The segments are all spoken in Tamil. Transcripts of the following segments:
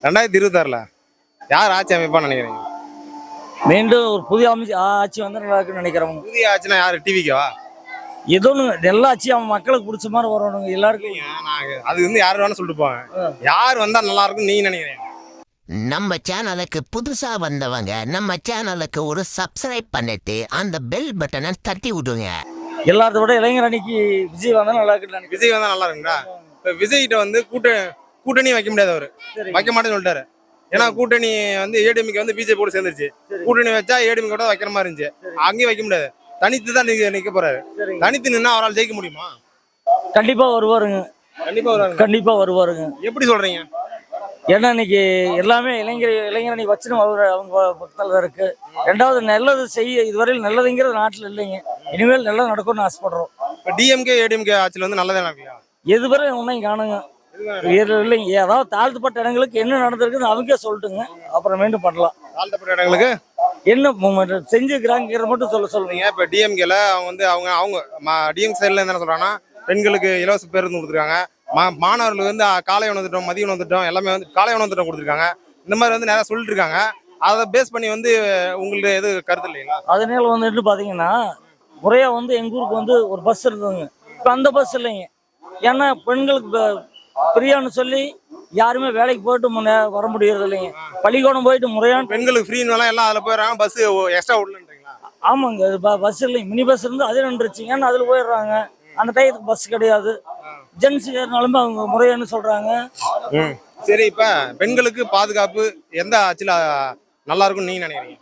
2026ல யார் ஆட்சி அமைப்பான்னு நினைக்கிறீங்க? மீண்டும் ஒரு புதிய ஆட்சி வந்து நல்லா இருக்குன்னு நினைக்கிறவங்க. புதிய ஆட்சினா யாரு? டிவிக்கவா? ஏதோ ஒன்று எல்லா ஆட்சியும் அவன் மக்களுக்கு பிடிச்ச மாதிரி வரணுங்க எல்லாருக்கும். அது வந்து யார் வேணா சொல்லிட்டு போவாங்க. யார் வந்தா நல்லா இருக்கும் நீங்க நினைக்கிறீங்க? நம்ம சேனலுக்கு புதுசா வந்தவங்க நம்ம சேனலுக்கு ஒரு சப்ஸ்கிரைப் பண்ணிட்டு அந்த பெல் பட்டனை தட்டி விடுங்க. எல்லாத்த விட இளைஞர் அணிக்கு விஜய் வந்தா நல்லா இருக்குன்னு நினைக்கிறேன். விஜய் வந்தா நல்லா இருக்குங்களா? இப்ப விஜய்கிட்ட வந்து கூட்டணி வைக்க முடியாது, அவரு வைக்க மாட்டேன்னு சொல்லிட்டாரு. ஏன்னா கூட்டணி வந்து ஏடிஎம்கே வந்து பிஜேபி கூட சேர்ந்துருச்சு. கூட்டணி வச்சா ஏடிஎம்கே கூட வைக்கிற மாதிரி இருந்துச்சு. அங்கேயும் வைக்க முடியாது, தனித்து தான் நிக்க போறாரு. தனித்து நின்னா அவரால் ஜெயிக்க முடியுமா? கண்டிப்பா வருவாருங்க. கண்டிப்பா வருவாருங்க. எப்படி சொல்றீங்க? ஏன்னா இன்னைக்கு எல்லாமே இளைஞர் அணி வச்சுன்னு அவங்க பக்கத்தில் தான் இருக்கு. ரெண்டாவது நல்லது செய்ய இதுவரையில் நல்லதுங்கிறது நாட்டில் இல்லைங்க. இனிமேல் நல்லது நடக்கும்னு ஆசைப்படுறோம். இப்போ டிஎம்கே ஏடிஎம்கே ஆட்சியில் வந்து நல்லதே நடக்கலையா? எதுவரை ஒன்றையும் காணுங்க இல்லைங்க. ஏதாவது தாழ்த்தப்பட்ட இடங்களுக்கு என்ன நடந்திருக்குன்னு அவங்க சொல்லிட்டுங்க, அப்புறம் மீண்டும் பண்ணலாம். தாழ்த்தப்பட்ட இடங்களுக்கு என்ன செஞ்சுக்கிறாங்கிற மட்டும் சொல்லுங்க. இப்போ டிஎம்கேல அவங்க வந்து அவங்க டிஎம் சைடில் என்ன சொல்றாங்கன்னா, பெண்களுக்கு இலவச பேருந்து கொடுத்துருக்காங்க, மாணவர்களுக்கு வந்து காலை உணவு திட்டம், மதிய உணவு திட்டம் எல்லாமே வந்து காலை உணவு திட்டம் கொடுத்துருக்காங்க. இந்த மாதிரி வந்து நிறையா சொல்லிட்டு இருக்காங்க. அதை பேஸ் பண்ணி வந்து உங்களுக்கு எது கருத்து இல்லைங்களா? அதனால வந்துட்டு பார்த்தீங்கன்னா முறையாக வந்து எங்கள் ஊருக்கு வந்து ஒரு பஸ் இருந்ததுங்க. இப்போ அந்த பஸ் இல்லைங்க. ஏன்னா பெண்களுக்கு ஃப்ரீயானு சொல்லி யாருமே வேலைக்கு போயிட்டு வர முடியறது இல்லைங்க. பள்ளிக்கூடம் போயிட்டு முறையான பெண்களுக்கு ஃப்ரீன்னு எல்லாம் அதில் போயிடுறாங்க. பஸ் எக்ஸ்ட்ரா விடலன்றீங்களா? ஆமாங்க, பஸ் இல்லைங்க. மினி பஸ் இருந்து அதே நின்றுச்சு. ஏன்னா அதில் போயிடுறாங்க. அந்த டயத்துக்கு பஸ் கிடையாது. ஜென்ஸ் ஏறினாலுமே அவங்க முறையானு சொல்றாங்க. சரி, இப்ப பெண்களுக்கு பாதுகாப்பு எந்த ஆட்சியில நல்லா இருக்கும்னு நீங்க நினைக்கிறீங்க?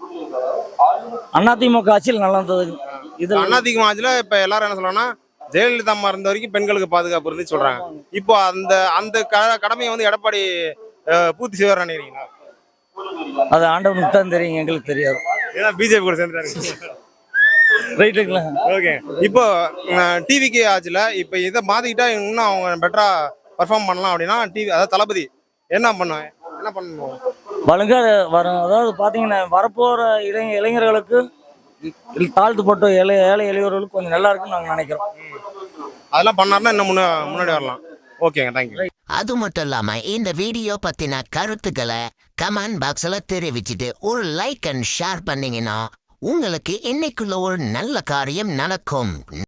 அதிமுக ஆட்சியில் நல்லா இருந்தது. இது அதிமுக ஆட்சியில இப்ப எல்லாரும் என்ன சொல்றாங்கன்னா, ஜெயலலிதா அம்மா இருந்த வரைக்கும் பெண்களுக்கு பாதுகாப்பு இருந்து சொல்றாங்க. இப்போ அந்த அந்த கடமையை வந்து எடப்பாடி பூர்த்தி செய்வார் நினைக்கிறீங்களா? அது ஆண்டவனுக்கு தான் தெரியும், எங்களுக்கு தெரியாது. ஏன்னா பிஜேபி கூட சேர்ந்துட்டாரு. ரைட்டுங்களா? ஓகே. இப்போ டிவிகே ஆட்சியில் இப்போ இதை மாற்றிக்கிட்டா இன்னும் அவங்க பெட்டராக பர்ஃபார்ம் பண்ணலாம் அப்படின்னா அதாவது தளபதி என்ன பண்ணணும்? ஒழுங்கா வரும். அதாவது பார்த்தீங்கன்னா வரப்போகிற இளைஞர்களுக்கு தாழ்த்துப்பட்ட ஏழை எளியவர்களுக்கு கொஞ்சம் நல்லா இருக்குன்னு நாங்கள் நினைக்கிறோம். அதெல்லாம் பண்ணாருன்னா இன்னும் முன்னாடி வரலாம். ஓகேங்க, தேங்க்யூ. அது மட்டும் இல்லாம இந்த வீடியோ பத்தின கருத்துக்களை கமெண்ட் பாக்ஸ்ல தெரிவிச்சுட்டு ஒரு லைக் அண்ட் ஷேர் பண்ணீங்கன்னா உங்களுக்கு இன்னைக்குள்ள ஒரு நல்ல காரியம் நடக்கும்.